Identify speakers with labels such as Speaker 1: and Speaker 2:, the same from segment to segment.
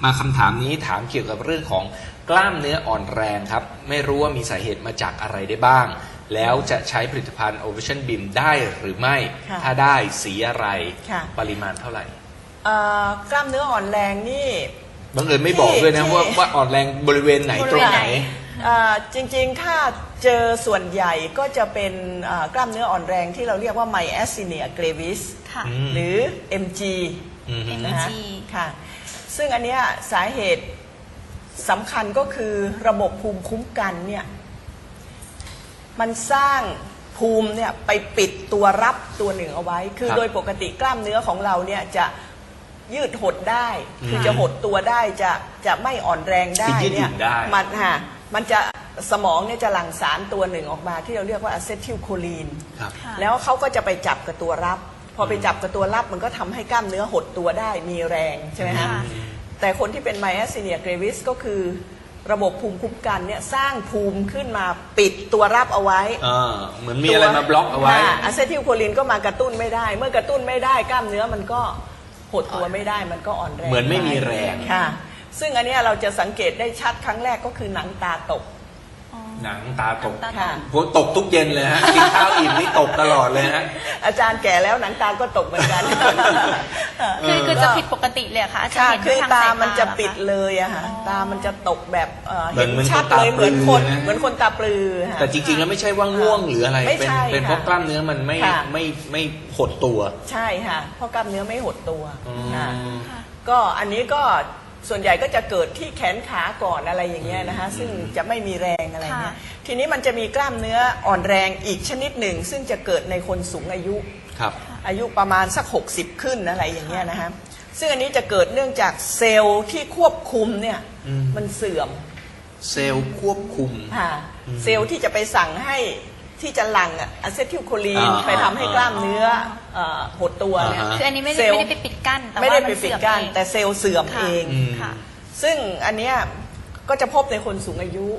Speaker 1: มาคำถามนี้ถามเกี่ยวกับเรื่องของกล้ามเนื้ออ่อนแรงครับไม่รู้ว่ามีสาเหตุมาจากอะไรได้บ้างแล้วจะใช้ผลิตภัณฑ์ Ovation Beam ได้หรือไม่ถ้าได้สีอะไรปริมาณเท่าไหร่
Speaker 2: กล้ามเนื้ออ่อนแรงนี่
Speaker 1: บังเอิญไม่บอกด้วยนะว่าอ่อนแรงบริเวณไหนตรงไหน
Speaker 2: จริงๆถ้าเจอส่วนใหญ่ก็จะเป็นกล้ามเนื้ออ่อนแรงที่เราเรียกว่า Myasthenia gravis หรือ MG นะคะค่ะซึ่งอันเนี้ยสาเหตุสำคัญก็คือระบบภูมิคุ้มกันเนี่ยมันสร้างภูมิเนี่ยไปปิดตัวรับตัวหนึ่งเอาไว้คือโดยปกติกล้ามเนื้อของเราเนี่ยจะยืดหดได้คือจะหดตัวได้จะไม่อ่อนแรงได้เนี่ยมันจะสมองเนี่ยจะหลั่งสารตัวหนึ่งออกมาที่เราเรียกว่าอะเซทิลโคลีนแล้วเขาก็จะไปจับกับตัวรับพอไปจับกับตัวรับมันก็ทำให้กล้ามเนื้อหดตัวได้มีแรงใช่ไหมฮะแต่คนที่เป็น Myasthenia gravis ก็คือระบบภูมิคุ้มกันเนี่ยสร้างภูมิขึ้นมาปิดตัวรับเอาไว้
Speaker 1: เหมือนมีอะไรมาบล็อกเอาไว้
Speaker 2: อะเซทิลโคลีนก็มากระตุ้นไม่ได้เมื่อกระตุ้นไม่ได้กล้ามเนื้อมันก็หดตัวไม่ได้มันก็อ่อนแรง
Speaker 1: เหมือนไม่มีแรง
Speaker 2: ค่ะซึ่งอันนี้เราจะสังเกตได้ชัดครั้งแรกก็คือหนังตาตก
Speaker 1: หนังตาตกผมตกทุกเย็นเลยฮะกินข้าวอิ่มนี่ตกตลอดเลยฮะ
Speaker 2: อาจารย์แก่แล้วหนังตาก็ตกเหมือนกัน
Speaker 3: คือจะผิดปกติเลยค่ะอาจารย์
Speaker 2: คือตามันจะปิดเลยอะค่ะตามันจะตกแบบเห็นชัดเลยเหมือนคนตาปลือ
Speaker 1: แต่จริงๆแล้วไม่ใช่ว่าง่วงหรืออะไรเป็นเพราะกล้ามเนื้อมันไม่หดตัว
Speaker 2: ใช่ค่ะเพราะกล้ามเนื้อไม่หดตัวก็อันนี้ก็ส่วนใหญ่ก็จะเกิดที่แขนขาก่อนอะไรอย่างเงี้ยนะคะซึ่งจะไม่มีแรงอะไรเงี้ยทีนี้มันจะมีกล้ามเนื้ออ่อนแรงอีกชนิดหนึ่งซึ่งจะเกิดในคนสูงอายุอายุประมาณสัก60ขึ้นอะไรอย่างเงี้ยนะคะซึ่งอันนี้จะเกิดเนื่องจากเซลล์ที่ควบคุมเนี่ยมันเสื่อม
Speaker 1: เซลล์ควบคุม
Speaker 2: เซลล์ที่จะไปสั่งให้ที่จะหลั่งอะเซทิลโคลีนไปทำให้กล้ามเนื้อหดตัวเนี่ย
Speaker 3: คืออันนี้ไม่ได้ไปปิดกั้น
Speaker 2: ไม่ได้ไปปิดกั้นแต่เซลล์เสื่อมเองซึ่งอันเนี้ยก็จะพบในคนสูงอายุ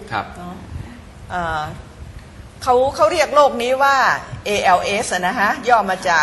Speaker 2: เขาเรียกโรคนี้ว่า ALS นะฮะย่อมาจาก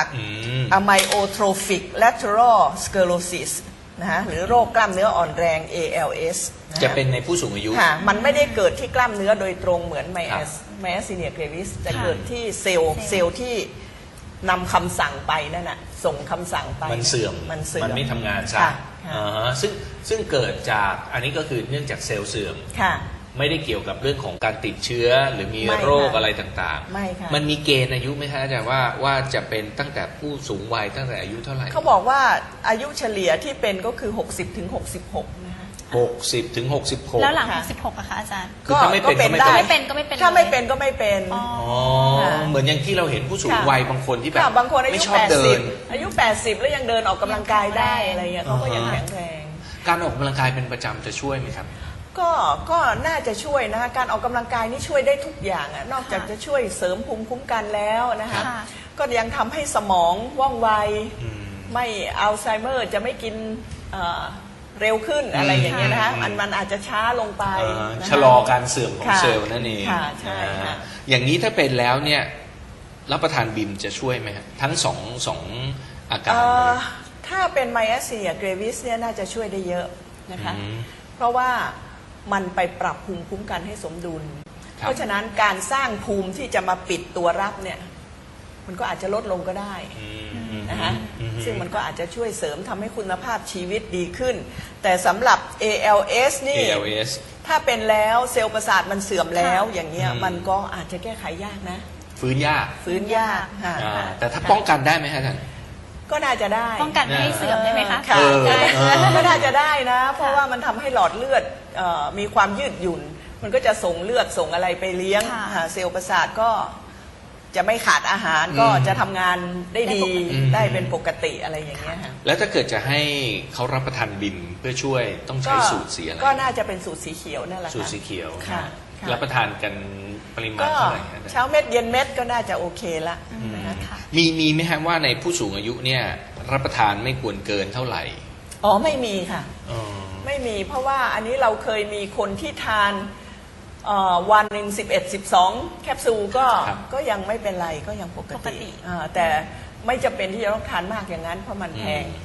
Speaker 2: Amyotrophic Lateral Sclerosis นะฮะหรือโรคกล้ามเนื้ออ่อนแรง ALS
Speaker 1: จะเป็นในผู้สูงอายุ
Speaker 2: มันไม่ได้เกิดที่กล้ามเนื้อโดยตรงเหมือน Myasthenia gravis จะเกิดที่เซลล์ที่นำคำสั่งไปนั่นน่ะส่งคำสั่งไป
Speaker 1: มันเสื่อมมันไม่ทำงานใช่ซึ่งเกิดจากอันนี้ก็คือเนื่องจากเซลล์เสื่อมไม่ได้เกี่ยวกับเรื่องของการติดเชื้อหรือมีโรคอะไรต่างๆมันมีเกณฑ์อายุไหมคะอาจารย์ว่าจะเป็นตั้งแต่ผู้สูงวัยตั้งแต่อายุเท่าไหร่
Speaker 2: เขาบอกว่าอายุเฉลี่ยที่เป็นก็คือ60 ถึง 66นะคะ
Speaker 1: 60 ถึง 66
Speaker 3: แล้วหลัง66อะคะอาจารย์
Speaker 1: คือถ้าไม่เป็นก็ไม่เป็น
Speaker 2: ถ้าไม่เป็นก็ไม่เป็น
Speaker 1: เหมือนอย่างที่เราเห็นผู้สูงวัยบางคนที่แบบ
Speaker 2: บางคนอายุ80อายุ80แล้วยังเดินออกกำลังกายได้อะไรเงี้ยเขาก็ยังแข็งแรง
Speaker 1: การออกกำลังกายเป็นประจำจะช่วยไหมครับ
Speaker 2: ก็น่าจะช่วยนะคะการออกกำลังกายนี่ช่วยได้ทุกอย่างอะนอกจากจะช่วยเสริมภูมิคุ้มกันแล้วนะคะก็ยังทำให้สมองว่องไวไม่อัลไซเมอร์จะไม่กินเร็วขึ้นอะไรอย่างเงี้ยนะคะมันอาจจะช้าลงไป
Speaker 1: ชะลอการเสื่อมของเซลล์นั่นเอง
Speaker 2: ใช่ค่ะ
Speaker 1: อย่างนี้ถ้าเป็นแล้วเนี่ยรับประทานบิมจะช่วยไหมครับทั้งสองอาการ
Speaker 2: ถ้าเป็น Myasthenia gravis เนี่ยน่าจะช่วยได้เยอะนะคะเพราะว่ามันไปปรับภูมิคุ้มกันให้สมดุลเพราะฉะนั้นการสร้างภูมิที่จะมาปิดตัวรับเนี่ยมันก็อาจจะลดลงก็ได้นะคะซึ่งมันก็อาจจะช่วยเสริมทำให้คุณภาพชีวิตดีขึ้นแต่สำหรับ ALS นี่ถ้าเป็นแล้วเซลล์ประสาทมันเสื่อมแล้วอย่างเงี้ยมันก็อาจจะแก้ไขยากนะ
Speaker 1: ฟื้นยากแต่ถ้าป้องกันได้ไหมฮะท่าน
Speaker 2: ก็น่าจะได้
Speaker 3: ป้องกันไม่ให้เสื่อมได้ไหมคะ
Speaker 2: ก็น่าจะได้นะเพราะว่ามันทำให้หลอดเลือดมีความยืดหยุ่นมันก็จะส่งเลือดส่งอะไรไปเลี้ยงเซลล์ประสาทก็จะไม่ขาดอาหารก็จะทำงานได้ดีได้เป็นปกติอะไรอย่างเงี้ยค่ะ
Speaker 1: แล้วถ้าเกิดจะให้เขารับประทานบิมเพื่อช่วยต้องใช้สูตรสีอะไร
Speaker 2: ก็น่าจะเป็นสูตรสีเขียวนั่นแหละ
Speaker 1: สูตรสีเขียวรับประทานกันปริมาณเท่าไหร่
Speaker 2: เช้าเม็ดเย็นเม็ดก็น่าจะโอเคละ
Speaker 1: มีไหมฮะว่าในผู้สูงอายุเนี่ยรับประทานไม่ควรเกินเท่าไหร่
Speaker 2: ไม่มีค่ะไม่มีเพราะว่าอันนี้เราเคยมีคนที่ทานวันหนึ่ง11-12 แคปซูลก็ยังไม่เป็นไรก็ยังปกติแต่ไม่จำเป็นที่จะต้องทานมากอย่างนั้นเพราะมันแพง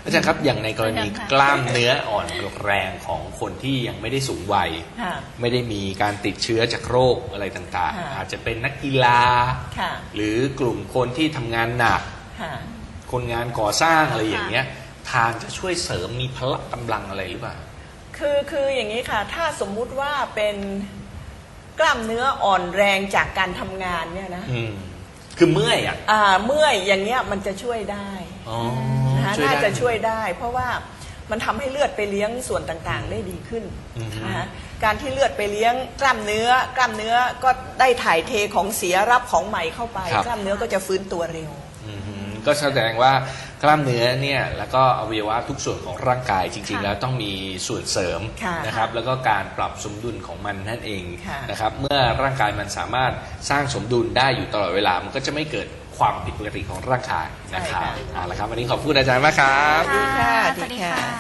Speaker 1: อาจารย์ครับอย่างในกรณีกล้ามเนื้ออ่อนแรงของคนที่ยังไม่ได้สูงวัยไม่ได้มีการติดเชื้อจากโรคอะไรต่างๆอาจจะเป็นนักกีฬาหรือกลุ่มคนที่ทำงานหนักคนงานก่อสร้างอะไรอย่างเงี้ยทานจะช่วยเสริมมีพละกำลังอะไรหรือเปล่า
Speaker 2: คืออย่างนี้ค่ะถ้าสมมุติว่าเป็นกล้ามเนื้ออ่อนแรงจากการทำงานเนี่ยนะ
Speaker 1: คือเมื่อย
Speaker 2: เมื่อยอย่างเงี้ยมันจะช่วยได้น่าจะช่วยได้เพราะว่ามันทำให้เลือดไปเลี้ยงส่วนต่างๆได้ดีขึ้นนะคะการที่เลือดไปเลี้ยงกล้ามเนื้อก็ได้ถ่ายเทของเสียรับของใหม่เข้าไปกล้ามเนื้อก็จะฟื้นตัวเร็ว
Speaker 1: ก็แสดงว่ากล้ามเนื้อเนี่ยแล้วก็อวัยวะทุกส่วนของร่างกายจริงๆแล้วต้องมีส่วนเสริมนะครับแล้วก็การปรับสมดุลของมันนั่นเองนะครับเมื่อร่างกายมันสามารถสร้างสมดุลได้อยู่ตลอดเวลามันก็จะไม่เกิดความผิดปกติของร่างกายนะครับเอาละครับวันนี้ขอบคุณอาจารย์มากครับ
Speaker 3: สวัสดีค่ะ